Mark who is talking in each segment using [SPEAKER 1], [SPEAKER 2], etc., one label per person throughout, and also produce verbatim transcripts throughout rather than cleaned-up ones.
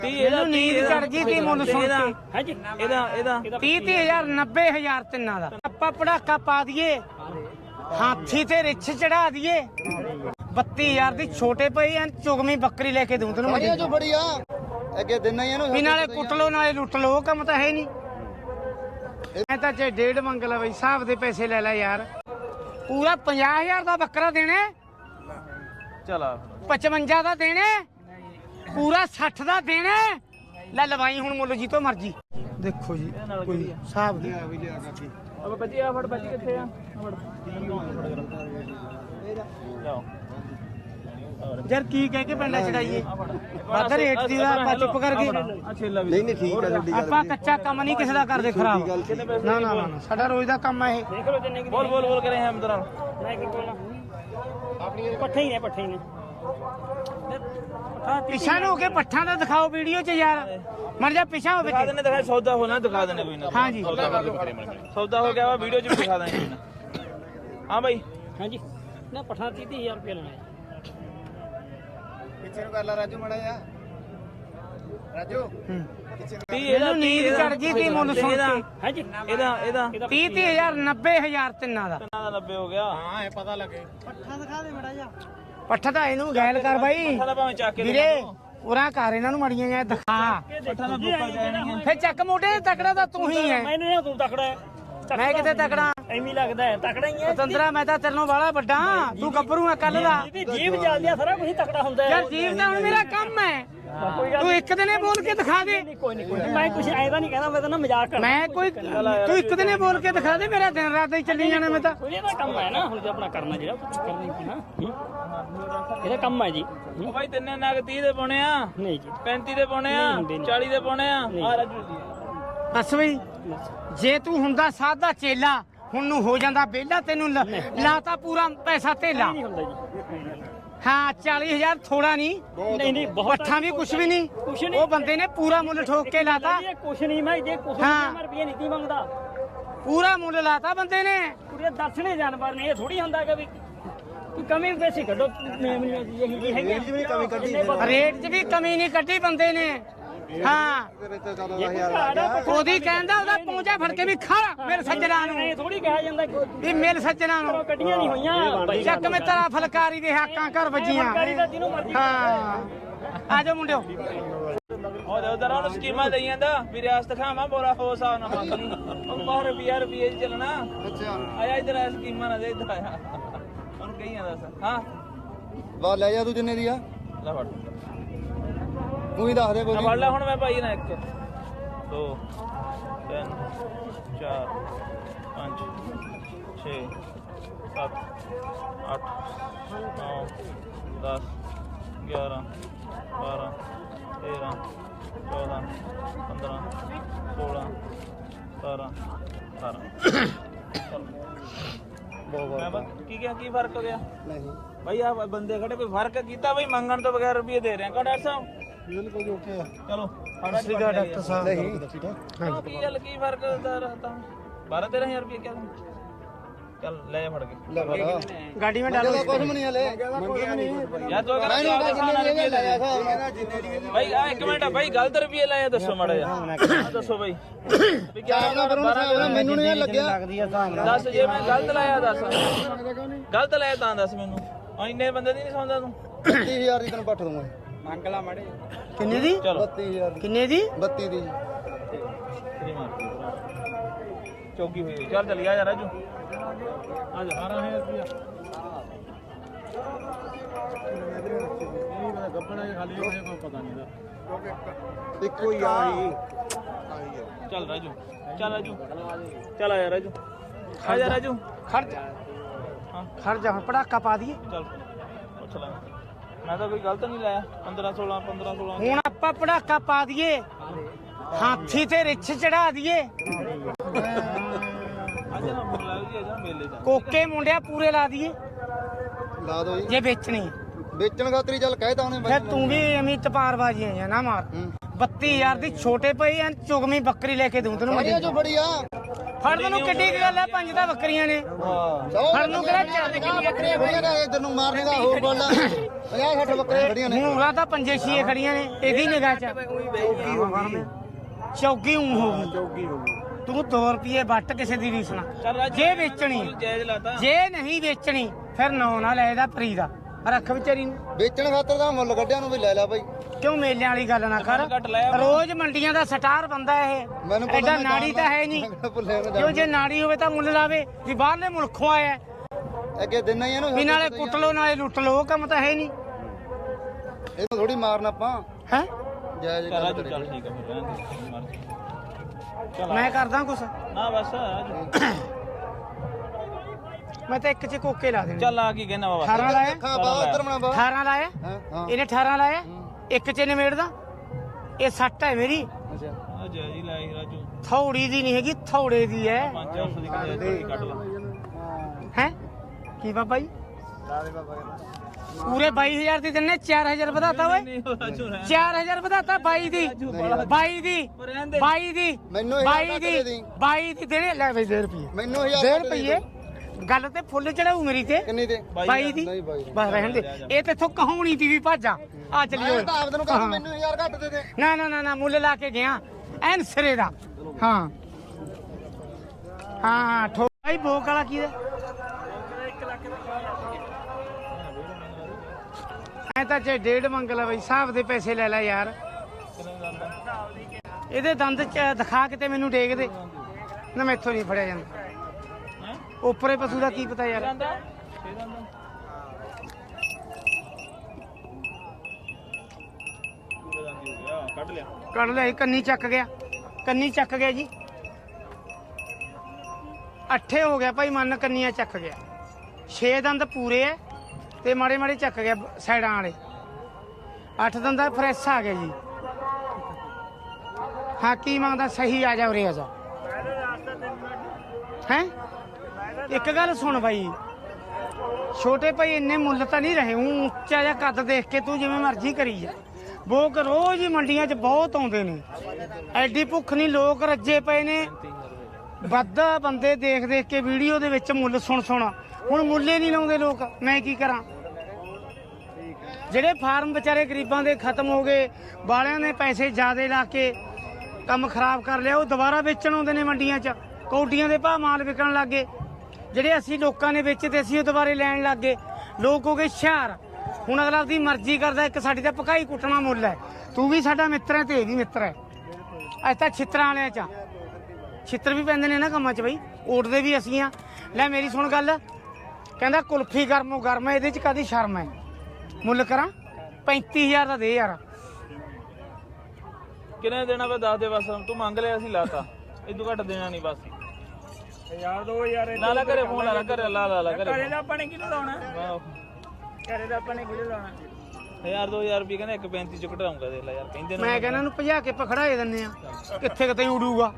[SPEAKER 1] ਇਹਦਾ ਨੀਂਦ ਚੜ ਗਈ ਤੀ ਮੁੱਲ ਸੁਣ ਕੇ।
[SPEAKER 2] ਹਾਂਜੀ
[SPEAKER 1] ਇਹਦਾ ਇਹਦਾ
[SPEAKER 2] ਤੀਹ ਤੀਹ ਹਜ਼ਾਰ ਨੱਬੇ ਹਜ਼ਾਰ ਤਿੰਨਾਂ ਦਾ ਆਪਾਂ ਪੜਾਕਾ ਪਾ ਦਈਏ, ਹਾਥੀ ਤੇ ਰਿੱਛ ਚੜਾ ਦਈਏ। ਬੱਤੀ ਹਜ਼ਾਰ ਦੀ ਛੋਟੇ ਪਈ ਐ, ਚੁਗਮੀ ਬੱਕਰੀ ਲੈ ਕੇ ਦੂੰ ਤੈਨੂੰ
[SPEAKER 3] ਬੜੀਆ ਜੋ ਬੜੀਆ ਅੱਗੇ ਦਿਨਾਂ ਹੀ ਇਹਨੂੰ
[SPEAKER 2] ਵੀ ਨਾਲੇ ਕੁੱਟ ਲੋ ਨਾਲੇ ਲੁੱਟ ਲੋ, ਉਹ ਕੰਮ ਤਾਂ ਹੈ ਨਹੀਂ। ਮੈਂ ਤਾਂ ਜੇ ਡੇਢ ਮੰਗ ਲਾ ਬਈ, ਹਿਸਾਬ ਦੇ ਪੈਸੇ ਲੈ ਲੈ ਯਾਰ। ਪੂਰਾ ਪੰਜਾਹ ਹਜ਼ਾਰ ਦਾ ਬੱਕਰਾ ਦੇਣਾ,
[SPEAKER 1] ਚਲਾ
[SPEAKER 2] ਪਚਵੰਜਾ ਦਾ ਦੇਣਾ, ਪੂਰਾ ਸੱਠ ਦਾ ਦੇਣਾ। ਲੈ ਲਵਾਈ ਹੁਣ ਮੁੱਲ ਜੀ ਤੋਂ ਮਰਜੀ। ਦੇਖੋ ਜੀ ਕੋਈ ਹਿਸਾਬ ਦੀ
[SPEAKER 1] ਅਬ ਬੱਜੀ ਆ ਫੜ, ਬੱਜੀ ਕਿੱਥੇ ਆ? ਲਓ
[SPEAKER 2] ਯਾਰ ਕੀ ਕਹਿ ਕੇ ਪਿੰਡਾਂ ਚੜਾਈਏ, ਵੱਧ ਰੇਟ ਦੀ ਦਾ ਆਪਾਂ ਚੁੱਪ ਕਰ ਗਏ।
[SPEAKER 1] ਆ ਛੇਲਾ ਵੀ
[SPEAKER 3] ਨਹੀਂ ਨਹੀਂ ਠੀਕ ਹੈ।
[SPEAKER 2] ਆਪਾਂ ਕੱਚਾ ਕੰਮ ਨਹੀਂ ਕਿਸੇ ਦਾ ਕਰਦੇ ਖਰਾਬ। ਨਾ ਨਾ ਨਾ ਸਾਡਾ ਰੋਜ਼ ਦਾ ਕੰਮ ਹੈ ਇਹ।
[SPEAKER 1] ਬੋਲ ਬੋਲ ਬੋਲ ਕਰੇ ਹਮਦ ਨਾਲ।
[SPEAKER 2] ਮੈਂ ਕੀ ਬੋਲਾਂ, ਆਪਣੀ ਪੱਠੇ ਹੀ ਨੇ, ਪੱਠੇ ਹੀ ਨੇ। ਪਿਛਾ ਨੂੰ ਹੋ ਕੇ ਪੱਠਾਂ ਦਾ ਦਿਖਾਓ ਵੀਡੀਓ 'ਚ ਯਾਰ, ਮਰ ਜਾ ਪਿਛਾ ਹੋ
[SPEAKER 1] ਦਿਖਾ
[SPEAKER 2] ਵਿੱਚ।
[SPEAKER 1] ਦੇਣੇ, ਦਿਖਾ ਸੌਦਾ ਹੋਣਾ ਦਿਖਾ ਦੇਣੇ ਕੋਈ ਨਾ।
[SPEAKER 2] ਹਾਂਜੀ
[SPEAKER 1] ਸੌਦਾ ਹੋ ਗਿਆ ਵਾ, ਵੀਡੀਓ 'ਚ ਵੀ ਦਿਖਾ ਦਾਂਗੇ। ਹਾਂ ਬਾਈ
[SPEAKER 2] ਹਾਂਜੀ ਨਾ ਪੱਠਾ ਤੀਹ ਤੀਹ ਹਜ਼ਾਰ ਰੁਪਏ ਲੈਣਾ ਹੈ।
[SPEAKER 3] ਪਿੱਛੇ ਨੂੰ ਕਰ ਲਾ ਰਾਜੂ ਮੜਾ ਜਾ ਰਾਜੂ।
[SPEAKER 1] ਤੀਹ ਇਹਦਾ
[SPEAKER 2] ਨੀਂਦ ਚੜ ਗਈ ਤੀ ਮੁੱਲ ਸੁਣ ਕੇ।
[SPEAKER 1] ਹਾਂਜੀ ਇਹਦਾ ਇਹਦਾ
[SPEAKER 2] ਤੀਹ ਤੀਹ ਹਜ਼ਾਰ ਨੱਬੇ ਹਜ਼ਾਰ ਤਿੰਨਾਂ ਦਾ।
[SPEAKER 1] ਕਿੰਨਾ ਦਾ ਨੱਬੇ ਹੋ ਗਿਆ?
[SPEAKER 3] ਹਾਂ ਇਹ ਪਤਾ ਲੱਗੇ।
[SPEAKER 2] ਪੱਠਾ ਦਿਖਾ ਦੇ ਮੜਾ ਜਾ। ਪੱਠਾ ਤਾਂ ਇਹਨੂੰ ਗੈਲ ਕਰ ਬਾਈ
[SPEAKER 1] ਸਾਲਾ ਭਾਵੇਂ ਚੱਕ ਕੇ
[SPEAKER 2] ਵੀਰੇ, ਉਰਾ ਕਰ ਇਹਨਾਂ ਨੂੰ ਮੜੀਆਂ ਜਾਂ ਦਿਖਾ।
[SPEAKER 1] ਪੱਠਾ ਦਾ ਬੁੱਕਾ ਜਾਣੀਆਂ।
[SPEAKER 2] ਫੇ ਚੱਕ ਮੋਢੇ ਤਕੜਾ ਤਾਂ ਤੂੰ ਹੀ ਹੈ,
[SPEAKER 4] ਮੈਨੂੰ ਨਾ ਤੂੰ ਤਕੜਾ ਹੈ,
[SPEAKER 2] ਮੈਂ ਕਿਤੇ ਤਕੜਾ।
[SPEAKER 4] ਐਵੇਂ ਲੱਗਦਾ ਹੈ ਤਕੜਾ ਹੀ ਹੈ।
[SPEAKER 2] ਪਤੰਦਰਾ ਮੈਂ ਤਾਂ ਤੇਰੇ ਨਾਲੋਂ ਬਾਹਲਾ ਵੱਡਾ, ਤੂੰ ਗੱਭਰੂ ਹੈ ਕੱਲ ਦਾ।
[SPEAKER 4] ਇਹਦੀ ਜੀਭ ਚੱਲਦੀ ਆ, ਸਾਰਾ ਕੁਝ ਤਕੜਾ ਹੁੰਦਾ ਹੈ।
[SPEAKER 2] ਯਾਰ ਜੀਵ ਤਾਂ ਹੁਣ ਮੇਰਾ ਕੰਮ ਹੈ, ਤੂੰ ਇੱਕ ਦਿਨੇ ਬੋਲ ਕੇ ਦਿਖਾ ਦੇ।
[SPEAKER 4] ਕੋਈ ਨਹੀਂ ਕੋਈ ਨੀ, ਮੈਂ ਕੁਝ ਐਦਾ ਨਹੀਂ ਕਹਿੰਦਾ, ਮੈਂ ਤਾਂ ਨਾ ਮਜ਼ਾਕ ਕਰਦਾ।
[SPEAKER 2] ਮੈਂ ਕੋਈ ਤੂੰ ਇੱਕ ਦਿਨੇ ਬੋਲ ਕੇ ਦਿਖਾ ਦੇ, ਮੇਰਾ ਦਿਨ ਰਾਤ ਹੀ ਚੱਲੀ ਜਾਣਾ ਮੈਂ ਤਾਂ।
[SPEAKER 4] ਕੋਈ ਇਹਦਾ ਕੰਮ ਹੈ ਨਾ, ਹੁਣ ਜੇ ਆਪਣਾ ਕਰਨਾ ਜਿਹੜਾ ਕੁਝ ਕਰਨਾ ਹੀ ਪੈਣਾ, ਇਹਦਾ ਕੰਮ ਹੈ ਜੀ।
[SPEAKER 1] ਉਹ ਬਾਈ ਤਿੰਨੇ ਨਗ ਤੀਹ ਦੇ ਪਾਉਣੇ ਆ,
[SPEAKER 4] ਨਹੀਂ ਜੀ
[SPEAKER 1] ਪੈਂਤੀ ਦੇ ਪਾਉਣੇ ਆ, ਚਾਲੀ ਦੇ ਪਾਉਣੇ ਆ। ਆ ਰਾਜੂ ਜੀ
[SPEAKER 2] ਬਸ ਬਈ, ਜੇ ਤੂੰ ਹੁੰਦਾ ਸਾਦਾ ਚੇਲਾ, ਹੁਣ ਨੂੰ ਹੋ ਜਾਂਦਾ ਵਿਹਲਾ, ਤੈਨੂੰ ਲ- ਲਾਤਾ ਪੂਰਾ ਪੈਸਾ ਧੇਲਾ।
[SPEAKER 4] ਨਹੀਂ ਹੁੰਦਾ ਜੀ।
[SPEAKER 2] ਹਾਂ ਚਾਲੀ ਹਜ਼ਾਰ ਥੋੜਾ ਨਹੀਂ,
[SPEAKER 4] ਨਹੀਂ ਨਹੀਂ ਬਹੁਤ
[SPEAKER 2] ਪੱਠਾ ਵੀ ਕੁਛ ਵੀ ਨਹੀਂ।
[SPEAKER 4] ਕੁਛ ਨਹੀਂ।
[SPEAKER 2] ਉਹ ਬੰਦੇ ਨੇ ਪੂਰਾ ਮੁੱਲ ਠੋਕ ਕੇ ਲਾਤਾ,
[SPEAKER 4] ਇਹ ਕੁਛ ਨਹੀਂ, ਮੈਂ ਜੇ ਕੁਛ
[SPEAKER 2] ਹਾਂ।
[SPEAKER 4] ਨਹੀਂ ਮੈਂ ਰੁਪਏ ਨਹੀਂ ਮੰਗਦਾ।
[SPEAKER 2] ਪੂਰਾ ਮੁੱਲ ਲਾਤਾ ਬੰਦੇ ਨੇ।
[SPEAKER 4] ਕੁੜੀਆਂ ਦਰਸ਼ਨੇ ਜਾਨਵਰ ਨੇ, ਇਹ ਥੋੜੀ ਹੁੰਦਾ ਕਿ ਵੀ ਕੋਈ ਕਮੀ ਪੈਸੇ ਕੱਢੋ। ਮੇਮਣੀਆਂ ਜੀ ਇਹੀ ਜੀ ਹੈਗੀ
[SPEAKER 3] ਵੀ ਕਮੀ ਕੱਢੀ
[SPEAKER 2] ਰੇਟ 'ਚ ਵੀ ਕਮੀ ਨਹੀਂ ਕੱਢੀ ਬੰਦੇ ਨੇ। ਹਾਂ ਉਹਦੀ ਕਹਿੰਦਾ ਉਹਦਾ ਪੂੰਝਾ ਫੜ ਕੇ ਵੀ ਖਾ ਮੇਰੇ ਸੱਜਣਾ ਨੂੰ,
[SPEAKER 4] ਇਹ ਥੋੜੀ ਕਿਹਾ ਜਾਂਦਾ ਕਿ
[SPEAKER 2] ਵੀ ਮਿਲ ਸੱਜਣਾ ਨੂੰ।
[SPEAKER 4] ਕੱਢੀਆਂ ਨਹੀਂ ਹੋਈਆਂ।
[SPEAKER 2] ਚੱਕ ਮੈਂ ਤੇਰਾ ਫਲਕਾਰੀ ਦੇ ਹਾਕਾਂ ਘਰ ਵੱਜੀਆਂ।
[SPEAKER 4] ਫੁਲਕਾਰੀ ਦਾ ਜਿਹਨੂੰ ਮਰਜ਼ੀ
[SPEAKER 2] ਹਾਂ ਆ ਜਾਓ ਮੁੰਡਿਓ।
[SPEAKER 1] ਉਹ ਉਧਰ ਉਹਨੂੰ ਸਕੀਮਾਂ ਦੇਈ ਜਾਂਦਾ ਵੀ ਰਿਆਸਤ ਖਾਵਾਂ ਬੋਰਾ ਹੋ ਸਾ ਨਾ ਉਹ ਬਾਹਰ ਰੁਪਿਆ ਰੁਪਏ ਚ ਚੱਲਣਾ।
[SPEAKER 3] ਅੱਛਾ
[SPEAKER 1] ਆਇਆ ਇਧਰ ਆ ਸਕੀਮਾਂ ਨਾ ਦੇ ਇਧਰ ਆਇਆ ਉਹਨੂੰ ਕਹੀ ਜਾਂਦਾ ਸਰ। ਹਾਂ
[SPEAKER 3] ਵਾ ਲੈ ਜਾ ਤੂੰ ਜਿੰਨੇ ਦੀ ਆ,
[SPEAKER 1] ਲੈ ਫੜ
[SPEAKER 3] ਤੂੰ ਹੀ ਦੱਸ ਦੇ
[SPEAKER 1] ਆ
[SPEAKER 3] ਬੋਲੀ।
[SPEAKER 1] ਫੜ ਲੈ ਹੁਣ ਮੈਂ ਭਾਈ ਨਾ ਇੱਕ ਦੋ ਤਿੰਨ ਚਾਰ ਪੰਜ ਛੇ ਸੱਤ ਅੱਠ ਨੌ ਦਸ ਗਿਆਰਾਂ ਬਾਰਾਂ ਤੇਰਾਂ ਚੌਦਾਂ ਪੰਦਰਾਂ ਸੋਲਾਂ ਸਤਾਰਾਂ ਅਠਾਰਾਂ। ਮੈਂ ਬਸ ਕੀ ਕਿਹਾ, ਕੀ ਫਰਕ ਹੋ ਗਿਆ
[SPEAKER 3] ਨਹੀਂ
[SPEAKER 1] ਭਾਈ? ਆ ਬੰਦੇ ਖੜੇ ਕੋਈ ਫਰਕ ਕੀਤਾ ਬਈ? ਮੰਗਣ ਤੋਂ ਬਗੈਰ ਰੁਪਏ ਦੇ ਰਹੇ ਆ ਡਾਕਟਰ ਸਾਹਿਬ।
[SPEAKER 3] ਬਿਲਕੁਲ ਓਕੇ ਆ।
[SPEAKER 1] ਚਲੋ
[SPEAKER 3] ਸ੍ਰੀ ਅਕਾਲ ਡਾਕਟਰ ਸਾਹਿਬ। ਨਹੀਂ
[SPEAKER 1] ਹਾਂ ਕੀ ਗੱਲ, ਕੀ ਫਰਕ ਦਾ ਰਹਤਾ? ਬਾਰਾਂ ਤੇਰਾਂ ਹਜ਼ਾਰ ਰੁਪਏ ਕਿਆ? ਚੱਲ ਲੈ ਜਾ ਫੜ ਕੇ
[SPEAKER 3] ਲੈ ਬੜਾ
[SPEAKER 2] ਗਾੜੀ में डालो।
[SPEAKER 3] ਕੁਝ ਵੀ ਨਹੀਂ ਹਲੇ ਮੰਗਿਆ ਨਹੀਂ
[SPEAKER 1] ਯਾਰ ਤੂੰ
[SPEAKER 3] ਮੈਂ ਨਹੀਂ ਉਹਦਾ ਜਿੰਨੇ ਦੀ ਲੈ ਜਾ
[SPEAKER 1] ਭਾਈ ਆ ਇੱਕ ਮਿੰਟ ਭਾਈ, ਗਲਤ ਰੁਪਏ ਲਾਇਆ ਦੱਸੋ ਮਾੜਾ ਜਿਹਾ ਦੱਸੋ ਭਾਈ ਵੀ ਕਿਆ
[SPEAKER 3] ਚਾਰ ਨਾ ਕਰੋ ਨਾ ਹਿਸਾਬ ਨਾਲ, ਮੈਨੂੰ ਨਹੀਂ ਲੱਗਿਆ।
[SPEAKER 1] ਦੱਸ ਜੇ ਮੈਂ ਗਲਤ ਲਾਇਆ ਦੱਸ, ਗਲਤ ਲਾਇਆ ਤਾਂ ਦੱਸ ਮੈਨੂੰ। ਆ ਇੰਨੇ ਬੰਦੇ ਦੀ ਨਹੀਂ ਸੌਂਦਾ ਤੂੰ।
[SPEAKER 3] ਬੱਤੀ ਹਜ਼ਾਰ ਦੀ ਤੈਨੂੰ ਪੱਠ ਦੂੰਗਾ।
[SPEAKER 1] ਮੰਗਲਾ ਮਾੜੇ
[SPEAKER 2] ਕਿੰਨੇ ਦੀ?
[SPEAKER 1] ਚਲੋ
[SPEAKER 3] ਬੱਤੀ ਹਜ਼ਾਰ ਦੀ।
[SPEAKER 2] ਕਿੰਨੇ ਦੀ?
[SPEAKER 3] ਬੱਤੀ ਦੀ
[SPEAKER 1] ਚੌਕੀ ਹੋਈ ਚੱਲ ਚੱਲ ਗਿਆ ਯਾਰ ਰਾਜੂ ਆ ਜਾ। ਬਾਰਾਂ ਹਜ਼ਾਰ ਰੁਪਏ ਗੱਪਣਾ ਖਾਲੀ ਹੋਏ ਕੋਈ ਪਤਾ ਨਹੀਂ ਦਾ।
[SPEAKER 3] ਇੱਕੋ ਹੀ ਆ ਜੀ।
[SPEAKER 1] ਚੱਲ ਰਾਜੂ, ਚੱਲ ਰਾਜੂ, ਚੱਲ ਆ ਯਾਰ ਰਾਜੂ, ਆ ਜਾ ਰਾਜੂ।
[SPEAKER 2] ਖੜ ਜਾ,
[SPEAKER 1] ਹਾਂ
[SPEAKER 2] ਖੜ ਜਾ, ਹੁਣ ਪੜਾਕਾ ਪਾ ਦਈਏ।
[SPEAKER 1] ਚੱਲ ਪੁੱਛ ਲੈ, ਮੈਂ ਤਾਂ ਕੋਈ ਗਲਤ ਨਹੀਂ ਲਾਇਆ। ਪੰਦਰਾਂ ਸੋਲਾਂ ਪੰਦਰਾਂ ਸੋਲਾਂ
[SPEAKER 2] ਹੁਣ ਆਪਾਂ ਪੜਾਕਾ ਪਾ ਦਈਏ, ਹਾਥੀ ਤੇ ਰਿੱਛ ਚੜਾ ਦਈਏ।
[SPEAKER 1] ਅੱਜ ਨਾ ਮੁੱਲ ਲਾਓ ਜੀ, ਅਜਾ ਮੇਲੇ ਦਾ
[SPEAKER 2] ਕੋਕੇ ਮੁੰਡਿਆ ਪੂਰੇ ਲਾ ਦਈਏ
[SPEAKER 3] ਲਾ ਦੋ ਜੀ।
[SPEAKER 2] ਜੇ ਵੇਚਣੀ।
[SPEAKER 3] ਵੇਚਣ ਖਾਤਰੀ ਚੱਲ ਕਹਿਤਾ ਉਹਨੇ
[SPEAKER 2] ਫਿਰ ਤੂੰ ਵੀ ਐਵੇਂ ਤਪਾਰਬਾਜ਼ੀਆਂ ਜਾਂ ਨਾ ਮਾਰ। ਬੱਤੀ ਹਜ਼ਾਰ ਦੀ ਛੋਟੇ ਪਈ ਐ, ਚੁਗਮੀ ਬੱਕਰੀ ਲੈ ਕੇ ਦੂੰ ਤੈਨੂੰ
[SPEAKER 3] ਬੜੀਆ
[SPEAKER 2] ਮੈਂ।
[SPEAKER 3] ਜੋ ਬੜੀਆ
[SPEAKER 2] ਫੜ ਨੂੰ ਕਿੱਡੀ ਕੁ ਗੱਲ ਹੈ ਪੰਜ ਤਾਂ ਬੱਕਰੀਆਂ ਨੇ ਫੜ ਨੂੰ ਕਿਹੜਾ ਚਾਰ
[SPEAKER 3] ਬੱਕਰੀਆਂ ਖੜੀਆਂ ਨੇ ਇਧਰ ਨੂੰ ਮਾਰਨੇ ਦਾ ਹੋਰ ਬੋਲਦਾ ਪੰਜਾਹ ਸੱਠ ਬੱਕਰੀਆਂ ਖੜੀਆਂ ਨੇ
[SPEAKER 2] ਮੂੰਗਲਾਂ ਤਾਂ ਪੰਜੇ ਛੇ ਖੜੀਆਂ ਨੇ ਇਹਦੀ ਨਿਗਾਹ ਚ ਚੌਗੀ ਊਂ ਹੋ ਗਈ
[SPEAKER 3] ਚੌਗੀ ਹੋ ਗਈ
[SPEAKER 2] ਤੂੰ ਦੋ ਰੁਪਏ ਵੱਟ ਕਿਸੇ ਦੀ ਰੀਸ ਨਾ
[SPEAKER 1] ਚੱਲ ਰਾਜੂ
[SPEAKER 2] ਜੇ ਵੇਚਣੀ
[SPEAKER 1] ਜਾਇਜ਼ ਲਾਤਾ
[SPEAKER 2] ਜੇ ਨਹੀਂ ਵੇਚਣੀ ਫਿਰ ਨੌ ਨਾ ਲੈ ਇਹਦਾ ਫਰੀ ਦਾ ਰੱਖ ਵਿਚਾਰੀ ਨੂੰ
[SPEAKER 3] ਵੇਚਣ ਖਾਤਰ ਦਾ ਮੁੱਲ ਕੱਢਿਆ ਨੂੰ ਵੀ ਲੈ ਲੈ ਬਾਈ
[SPEAKER 2] ਕਿਉਂ ਮੇਲਿਆਂ ਵਾਲੀ ਗੱਲ ਨਾ ਕਰ
[SPEAKER 1] ਘੱਟ ਲੈ ਆ।
[SPEAKER 2] ਰੋਜ਼ ਮੰਡੀਆਂ ਦਾ ਸਟਾਰ ਬੰਦਾ ਇਹ
[SPEAKER 3] ਮੈਨੂੰ ਪਤਾ
[SPEAKER 2] ਐਡਾ
[SPEAKER 3] ਮੈਂ
[SPEAKER 2] ਨਾੜੀ ਤਾਂ ਹੈ ਨਹੀਂ ਕਿਉਂ ਜੇ ਨਾੜੀ ਹੋਵੇ ਤਾਂ ਮੁੱਲ ਲਾਵੇ ਵੀ ਬਾਹਰਲੇ ਮੁਲਕੋਂ ਆਇਆ
[SPEAKER 3] ਅੱਗੇ ਦਿਨ ਹੀ ਇਹਨੂੰ
[SPEAKER 2] ਵੀ ਨਾਲੇ ਕੁੱਟ ਲੋ ਨਾਲੇ ਲੁੱਟ ਲੋ ਉਹ ਕੰਮ ਤਾਂ ਹੈ ਨਹੀਂ
[SPEAKER 3] ਇਹਨੂੰ ਥੋੜੀ ਮਾਰਨਾ ਆਪਾਂ
[SPEAKER 2] ਹੈ
[SPEAKER 3] ਜਾਇਜ਼
[SPEAKER 1] ਚੱਲ
[SPEAKER 3] ਗੱਲ
[SPEAKER 1] ਰਾਜੂ
[SPEAKER 3] ਕਰੇ
[SPEAKER 1] ਚੱਲ ਠੀਕ ਆ ਫਿਰ ਰਹਿਣ ਦੇ ਮਰਜ਼ੀ। ਚੱਲ
[SPEAKER 2] ਮੈਂ ਕਰਦਾ ਕੁਛ
[SPEAKER 1] ਨਾ ਬਸ ਰਾਜੂ
[SPEAKER 2] ਮੈਂ ਤਾਂ ਇੱਕ ਚ ਕੋਕੇ ਲਾ ਦੇਣੇ
[SPEAKER 1] ਚੱਲ ਆ ਕੀ ਕਹਿਣਾ ਬਾਬਾ
[SPEAKER 2] ਅਠਾਰਾਂ ਲਾਇਆ
[SPEAKER 3] ਅੱਖਾਂ ਬਾਹਰ ਉਧਰ ਬਣਾ ਬਾਹਰ
[SPEAKER 2] ਅਠਾਰਾਂ ਲਾਇਆ
[SPEAKER 3] ਹਾਂ ਹਾਂ
[SPEAKER 2] ਇਹਨੇ ਅਠਾਰਾਂ ਲਾਇਆ ਇੱਕ ਚ ਨਿਮੇੜਦਾ ਇਹ ਸੱਟ ਹੈ ਮੇਰੀ
[SPEAKER 3] ਅੱਛਾ
[SPEAKER 1] ਆ ਜਾਇਜ਼ ਹੀ ਲਾਈ ਰਾਜੂ
[SPEAKER 2] ਥੌੜੀ ਦੀ ਨਹੀਂ ਹੈਗੀ ਥੌੜੇ ਦੀ ਹੈ
[SPEAKER 1] ਪੰਜ ਚਾਰ ਸੌ ਦੀ ਜਾਇਜ਼ ਕੱਢ ਲਾ
[SPEAKER 2] ਹੈ ਕੀ ਬਾਬਾ ਜੀ
[SPEAKER 3] ਸਾਰੇ ਬਾਬਾ ਕਹਿੰਦਾ
[SPEAKER 2] ਪੂਰੇ ਬਾਈ ਹਜ਼ਾਰ ਦੀ ਦਿੰਨੇ ਚਾਰ ਹਜ਼ਾਰ ਵਧਾਤਾ ਓਏ
[SPEAKER 1] ਨਹੀਂ ਰਾਜੂ ਰਹਿਣ
[SPEAKER 2] ਚਾਰ ਹਜ਼ਾਰ ਵਧਾਤਾ ਬਾਈ ਦੀ ਬਾਈ ਦੀ
[SPEAKER 1] ਰਹਿਣ ਦੇ
[SPEAKER 2] ਬਾਈ ਦੀ
[SPEAKER 3] ਮੈਨੂੰ ਹਜ਼ਾਰ
[SPEAKER 2] ਬਾਈ
[SPEAKER 3] ਘੱਟ ਦੇ
[SPEAKER 2] ਦੀ
[SPEAKER 3] ਦੀ
[SPEAKER 2] ਬਾਈ ਦੀ ਦੇਣੇ ਲੈ ਬਈ ਦੇ ਰੁਪਏ
[SPEAKER 3] ਮੈਨੂੰ ਹਜ਼ਾਰ
[SPEAKER 2] ਦੇ
[SPEAKER 3] ਘੱਟ ਦੇ
[SPEAKER 2] ਰੁਪਏ ਗੱਲ ਤੇ ਫੁੱਲ ਚੜਾਉ ਮੇਰੀ ਤੇ
[SPEAKER 3] ਕਿੰਨੀ ਦੇ
[SPEAKER 2] ਬਾਈ ਦੀ
[SPEAKER 3] ਨਹੀਂ ਬਾਈ
[SPEAKER 2] ਬਸ ਰਹਿਣ ਦੇ ਇਹ ਤੇ ਇਥੋਂ ਕਹਾਉਣੀ ਦੀ ਵੀ ਭਾਜਾ ਆ ਚਲੀਓ
[SPEAKER 3] ਮੈਂ ਤਾਂ ਆਪ ਤੈਨੂੰ ਕਹਿੰਦਾ ਮੈਨੂੰ ਹਜ਼ਾਰ ਘੱਟ ਦੇ ਦੇ
[SPEAKER 2] ਨਾ ਨਾ ਨਾ ਨਾ ਮੁੱਲ ਲਾ ਕੇ ਗਿਆ ਐਨ ਸਿਰੇ ਦਾ ਹਾਂ ਹਾਂ ਠੋਈ ਭੋਕ ਵਾਲਾ ਕੀ ਦੇ ਐ ਤਾਂ ਜੇ ਡੇਢ ਮੰਗ ਲੈ ਬਈ ਹਿਸਾਬ ਦੇ ਪੈਸੇ ਲੈ ਲੈ ਯਾਰ ਇਹਦੇ ਦੰਦ ਚ ਦਿਖਾ ਕੇ ਤੇ ਮੈਨੂੰ ਡੇਗ ਦੇ ਨਾ ਮੈਥੋਂ ਨਹੀਂ ਫੜਿਆ ਜਾਂਦਾ
[SPEAKER 1] ਹੈਂ?
[SPEAKER 2] ਉੱਪਰੇ ਪਸ਼ੂ ਦਾ ਕੀ ਪਤਾ ਯਾਰ
[SPEAKER 1] ਜਾਂਦਾ ਫੇਰ ਜਾਂਦਾ ਪੂਰਾ ਜਾਂਦੀ ਹੋ ਗਿਆ ਕੱਢ ਲਿਆ
[SPEAKER 2] ਕੱਢ ਲਿਆ ਕੰਨੀ ਚੱਕ ਗਿਆ ਕੰਨੀ ਚੱਕ ਗਿਆ ਜੀ ਅੱਠੇ ਹੋ ਗਿਆ ਭਾਈ ਮਨ ਕੰਨੀਆਂ ਚੱਕ ਗਿਆ ਛੇ ਦੰਦ ਪੂਰੇ ਐ ਤੇ ਮਾੜੇ ਮਾੜੇ ਚੱਕ ਗਿਆ ਸਾਈਡਾਂ ਵਾਲੇ ਅੱਠ ਦੰਦਾਂ ਫਰੈਸ਼ ਆ ਗਿਆ ਜੀ ਹਾਂ ਕੀ ਮੰਗਦਾ ਸਹੀ ਆ ਜਾ ਉਰੇ ਆ ਜਾ ਹੈ ਇੱਕ ਗੱਲ ਸੁਣ ਬਾਈ ਛੋਟੇ ਭਾਈ ਇੰਨੇ ਮੁੱਲ ਤਾਂ ਨਹੀਂ ਰਹੇ ਊਂ ਉੱਚਾ ਜਿਹਾ ਕੱਦ ਦੇਖ ਕੇ ਤੂੰ ਜਿਵੇਂ ਮਰਜ਼ੀ ਕਰੀ ਜਾ ਲੋਕ ਰੋਜ਼ ਹੀ ਮੰਡੀਆਂ 'ਚ ਬਹੁਤ ਆਉਂਦੇ ਨੇ ਐਡੀ ਭੁੱਖ ਨਹੀਂ ਲੋਕ ਰੱਜੇ ਪਏ ਨੇ ਵੱਧਾ ਬੰਦੇ ਦੇਖ ਦੇਖ ਕੇ ਵੀਡੀਓ ਦੇ ਵਿੱਚ ਮੁੱਲ ਸੁਣ ਸੁਣ ਹੁਣ ਮੁੱਲੇ ਨਹੀਂ ਲਾਉਂਦੇ ਲੋਕ ਮੈਂ ਕੀ ਕਰਾਂ ਜਿਹੜੇ ਫਾਰਮ ਵਿਚਾਰੇ ਗਰੀਬਾਂ ਦੇ ਖਤਮ ਹੋ ਗਏ ਵਾਲਿਆਂ ਨੇ ਪੈਸੇ ਜ਼ਿਆਦੇ ਲਾ ਕੇ ਕੰਮ ਖਰਾਬ ਕਰ ਲਿਆ ਉਹ ਦੁਬਾਰਾ ਵੇਚਣ ਆਉਂਦੇ ਨੇ ਮੰਡੀਆਂ 'ਚ ਕੌਡੀਆਂ ਦੇ ਭਾਅ ਮਾਲ ਵਿਕਣ ਲੱਗ ਗਏ ਜਿਹੜੇ ਅਸੀਂ ਲੋਕਾਂ ਨੇ ਵੇਚੇ ਤੇ ਅਸੀਂ ਉਹ ਦੁਬਾਰੇ ਲੈਣ ਲੱਗ ਗਏ ਲੋਕ ਹੋ ਗਏ ਹੁਸ਼ਿਆਰ ਹੁਣ ਅਗਲਾ ਆਪਦੀ ਮਰਜ਼ੀ ਕਰਦਾ ਇੱਕ ਸਾਡੀ ਤਾਂ ਪਕਾਈ ਕੁੱਟਣਾ ਮੁੱਲ ਹੈ ਤੂੰ ਵੀ ਸਾਡਾ ਮਿੱਤਰ ਹੈ ਤੇ ਇਹ ਵੀ ਮਿੱਤਰ ਹੈ ਅੱਜ ਤਾਂ ਛਿੱਤਰਾਂ ਵਾਲਿਆਂ 'ਚ ਛਿੱਤਰ ਵੀ ਪੈਂਦੇ ਨੇ ਨਾ ਕੰਮਾਂ 'ਚ ਬਈ ਓਟਦੇ ਵੀ ਅਸੀਂ ਆ ਲੈ ਮੇਰੀ ਸੁਣ ਗੱਲ ਕਹਿੰਦਾ ਕੁਲਫੀ ਗਰਮੋ ਗਰਮ ਹੈ ਇਹਦੇ 'ਚ ਕਾਦੀ ਸ਼ਰਮ ਹੈ ਮੁੱਲ ਕਰਾਂ ਪੈਂਤੀ ਹਜ਼ਾਰ ਦਾ ਦੇ ਯਾਰ
[SPEAKER 1] ਕਿੰਨੇ ਦੇਣਾ ਵਾ ਦੱਸ ਦੇ ਬਸ ਤੂੰ ਮੰਗ ਲਿਆ ਅਸੀਂ ਲਾਤਾ ਇਦੋਂ ਘੱਟ ਦੇਣਾ ਨਹੀਂ ਬਸ
[SPEAKER 4] ਯਾਰ ਦੋ ਯਾਰ
[SPEAKER 1] ਲਾ ਲਾ ਘਰੇ ਫੋਨ ਲਾ ਲਾ ਘਰੇ ਲਾ ਲਾ ਲਾ
[SPEAKER 4] ਘਰੇ
[SPEAKER 1] ਘਰੇ
[SPEAKER 4] ਦਾ ਆਪਾਂ ਨੇ ਕਿਹਨੂੰ ਲਾਉਣਾ
[SPEAKER 1] ਵਾਹ
[SPEAKER 4] ਘਰੇ ਦਾ ਆਪਾਂ ਨੇ ਕਿਹਨੂੰ ਲਾਉਣਾ
[SPEAKER 1] ਯਾਰ ਦੋ ਹਜ਼ਾਰ ਰੁਪਏ ਕਹਿੰਦੇ ਇੱਕ ਪੈਂਤੀ ਚ ਘਟਾਉਂਗਾ ਦੇਖ ਲੈ ਯਾਰ ਕਹਿੰਦੇ ਨੇ
[SPEAKER 2] ਮੈਂ ਕਹਿੰਦਾ ਇਹਨੂੰ ਭਜਾ ਕੇ ਪਖੜਾਏ ਦਿੰਨੇ ਆ ਕਿੱਥੇ ਕਿਤੇ ਉਡੂਗਾ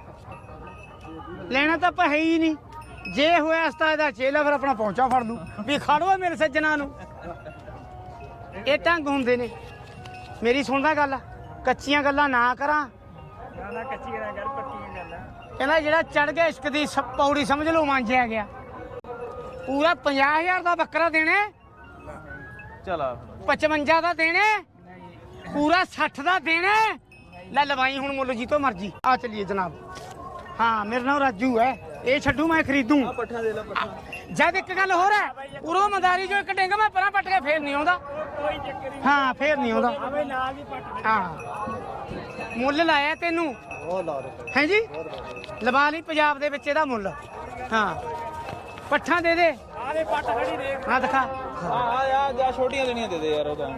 [SPEAKER 2] ਲੈਣਾ ਤਾਂ ਆਪਾਂ ਹੈ ਹੀ ਨਹੀਂ ਜੇ ਹੋਇਆ ਅਸਤਾ ਇਹਦਾ ਚੇਲਾ ਫਿਰ ਆਪਣਾ ਪਹੁੰਚਾ ਫੜ ਲੂ ਵੀ ਖੜੋ ਮੇਰੇ ਸੱਜਣਾ ਨੂੰ ਇਹ ਢੰਗ ਹੁੰਦੇ ਨੇ ਮੇਰੀ ਸੁਣਦਾ ਗੱਲ ਕੱਚੀਆਂ ਗੱਲਾਂ ਨਾ ਕਰਾਂ
[SPEAKER 4] ਨਾ ਨਾ ਕੱਚੀ ਕਰਾਂ ਕਰ ਪੱਕੀਆਂ ਗੱਲਾਂ
[SPEAKER 2] ਕਹਿੰਦਾ ਜਿਹੜਾ ਚੜ ਗਿਆ ਇਸ਼ਕ ਦੀ ਸ- ਪੌੜੀ ਸਮਝ ਲਓ ਮਾਂਜਿਆ ਗਿਆ ਪੂਰਾ ਪੰਜਾਹ ਹਜ਼ਾਰ ਦਾ ਬੱਕਰਾ ਦੇਣਾ
[SPEAKER 1] ਚਲ ਆ
[SPEAKER 2] ਪਚਵੰਜਾ ਦਾ ਦੇਣਾ ਪੂਰਾ ਸੱਠ ਦਾ ਦੇਣਾ ਲੈ ਲਵਾਈ ਹੁਣ ਮੁੱਲ ਜੀ ਤੋਂ ਮਰਜੀ ਆ ਚਲੀਏ ਜਨਾਬ ਹਾਂ ਮੇਰਾ ਨਾਮ ਰਾਜੂ ਹੈ ਇਹ ਛੱਡੂ ਮੈਂ ਖਰੀਦੂ
[SPEAKER 1] ਪੱਠਾ ਦੇ ਲੈ ਪੱਠਾ
[SPEAKER 2] ਜਦ ਇੱਕ ਗੱਲ ਹੋਰ ਹੈ ਉਰੋਂ ਮੰਦਾਰੀ ਜੋ ਇੱਕ ਡਿੰਗ ਮੈਂ ਪਰਾਂ ਪੱਟ ਕੇ ਫੇਰ ਨਹੀਂ ਆਉਂਦਾ
[SPEAKER 4] ਕੋਈ ਚੱਕਰ ਨਹੀਂ
[SPEAKER 2] ਹਾਂ ਫੇਰ ਨਹੀਂ ਆਉਂਦਾ
[SPEAKER 4] ਆਵੇ ਨਾਲ ਹੀ ਪੱਟ
[SPEAKER 2] ਹਾਂ ਮੁੱਲ ਲਾਇਆ ਤੈਨੂੰ
[SPEAKER 3] ਉਹ ਲਾ ਦੇ
[SPEAKER 2] ਹੈ ਜੀ ਲਵਾ ਲਈ ਪੰਜਾਬ ਦੇ ਵਿੱਚ ਇਹਦਾ ਮੁੱਲ ਹਾਂ ਪੱਠਾ ਦੇ ਦੇ
[SPEAKER 4] ਆਲੇ ਪੱਟ ਖੜੀ ਦੇਖ
[SPEAKER 2] ਹਾਂ ਦਿਖਾ
[SPEAKER 1] ਆ ਆ ਯਾਰ ਜਾ ਛੋਟੀਆਂ ਦੇਣੀਆਂ ਦੇ ਦੇ ਯਾਰ ਉਹਦਾ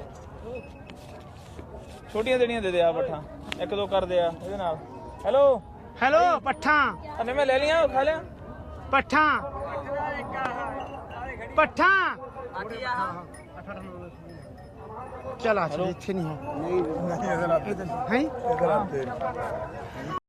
[SPEAKER 1] ਛੋਟੀਆਂ ਦੇਣੀਆਂ ਦੇ ਦੇ ਆ ਪੱਠਾ ਇੱਕ ਦੋ ਕਰ ਦੇ ਆ ਇਹਦੇ ਨਾਲ ਹੈਲੋ
[SPEAKER 2] ਹੈਲੋ ਪੱਠਾ
[SPEAKER 1] ਅਨੇ ਮੈਂ ਲੈ ਲਿਆ ਖਾ ਲਿਆ
[SPEAKER 2] ਪੱਠਾ ਪੱਠਾ ਚਲ ਆ ਚਲ ਇੱਥੇ ਨਹੀਂ ਹੋ
[SPEAKER 3] ਨਹੀਂ ਨਹੀਂ ਇਹਦੇ ਨਾਲ
[SPEAKER 2] ਹੈ